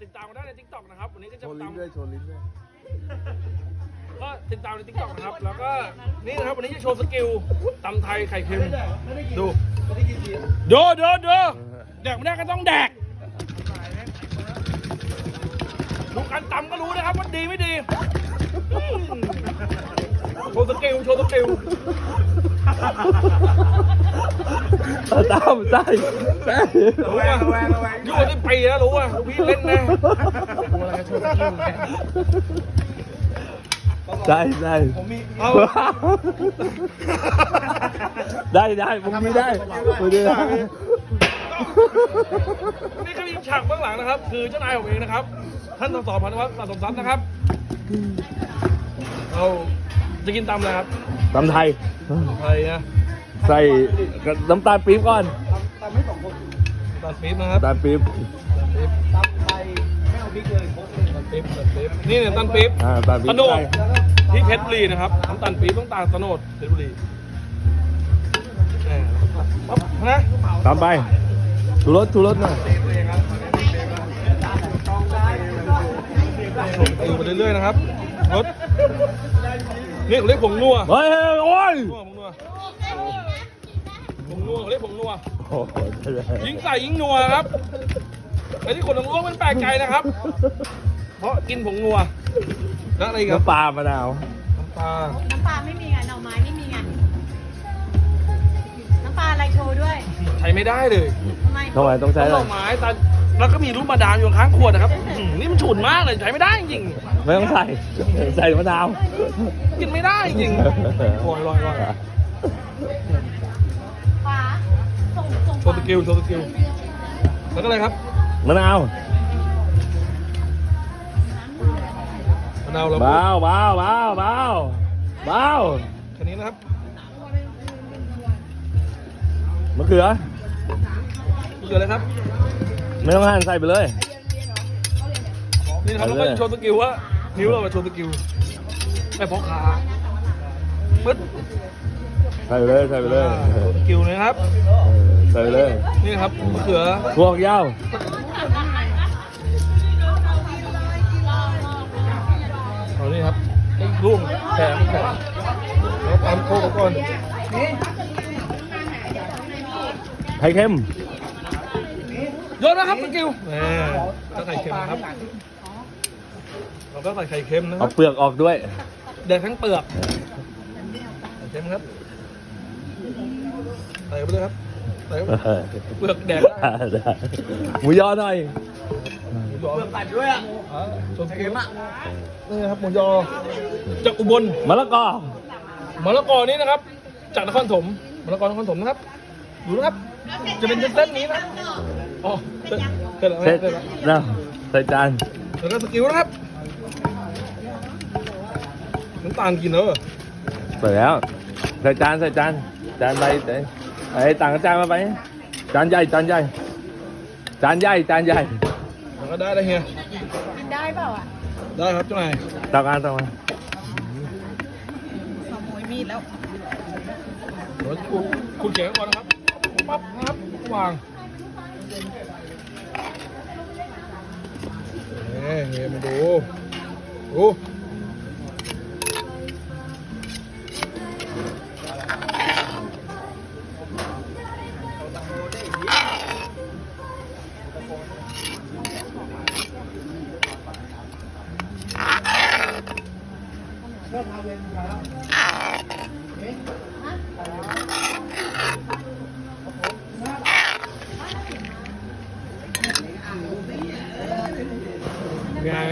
ติดตามกันได้ใน TikTok นะครับวันนี้ก็จะโชว์ลิ้ตาน มด้วยโชว์ลิ้นด้วยก็ติดตามใน TikTok นะครับแล้วก็นี่นะครับวันนี้จะโชว์สกิลตำไทยไข่เค็มดูแดกไม่ได้ก็ต้องแดกดูการตำก็รู้นะครับว่าดีไม่ดีโชว์สกิลตามใช่รู้ว่าอยู่ที่ปีแล้วรู้ว่าพี่เล่นนะได้เอาได้มึงมีได้มึงได้นี่ก็มีฉากเบื้องหลังนะครับคือเจ้านายผมเองนะครับท่านสสพันวัฒน์สะสมทรัพย์นะครับเราจะกินตำอะไรครับตำไทยไทยนะใส่น้ำตาลปี๊บก่อนตำปี๊บนะครับน้ำตาลปี๊บตำไทยไม่เอาพริกเลยตำปี๊บนี่เนี่ยตำปี๊บตาลปี๊บตะโนดที่เพชรบุรีนะครับน้ำตาลปี๊บต้องตาลตะโนดเพชรบุรีปั๊บนะตามไปชูรสหน่อยตีไปเรื่อยๆนะครับรสนี่เขาเรียกผงนัวเฮ้ยโอ้ยผงนัวเขาเรียกผงนัวโอ้โหยิ่งใส่ยิ่งนัวครับไอ้ที่คนต้องรู้มันแปลกใจนะครับ เพราะกินผงนัวแล้วอะไรอีกับน้ำปลามะนาวน้ำปลาน้ำปลาไม่มีไงหน่อไม้ไม่มีไงน้ำปลาอะไรโชว์ด้วยใช้ไม่ได้เลยทำไมทำไมต้องใช้ต้นอะไรดอกไม้แต่แล้วก็มีรูปมาดามอยู่ข้างขวดนะครับนี่มันฉุนมากเลยใช้ไม่ได้จริงไม่ต้องใส่มะนาวๆกินไม่ได้จริงลอยปลาส่งโชว์สกิลแล้วก็อะไรครับมะนาวมะนาวเราเบาแค่นี้นะครับมะเขือเกิดอะไรครับไม่ต้องหั่นใส่ไปเลยนี่นะครับเราก็โชว์สกิลว่านิ้วเรามาโชว์สกิลไม่พกขาปึ๊ดใส่ไปเลยโชว์สกิลนะครับใส่ไปเลยนี่ครับมะเขือพวกยาวเอานี่ครับลูกแขนแล้วตามโคกก่อนไข่เค็มโยนนะครับสกิลถ้าไข่เค็มนะครับเราก็ใส่ไข่เค็มนะคเอารับเปลือกออกด้วยแดกทั้งเปลือกไข่เค็มครับใส่ไปเลยครับใส่เปลือกแดกได้หมูยอหน่อยเปลือกตัดด้วยอ่ะโชว์สกิลนี่ครับหมูยอจากอุบลมะละกอมะละกอนี้นะครับจากนครถมมะละกอนครถมนะครับดูนะครับจะเป็นเส้นนี้นะอ๋อเสร็จแล้วเสร็จแล้วใส่จานแล้วก็สกิลนะครับน้ำตาลกินเนอะใส่แล้วใส่จานจานใบไอ้ต่างจานมาไปจานใหญ่แล้วก็ได้เฮียได้เปล่าอ่ะได้ครับเจ้านายต่างกันขโมยมีดแล้วเดี๋ยวคุณเขียนก่อนนะครับปั๊บนะครับวางเฮียมาดู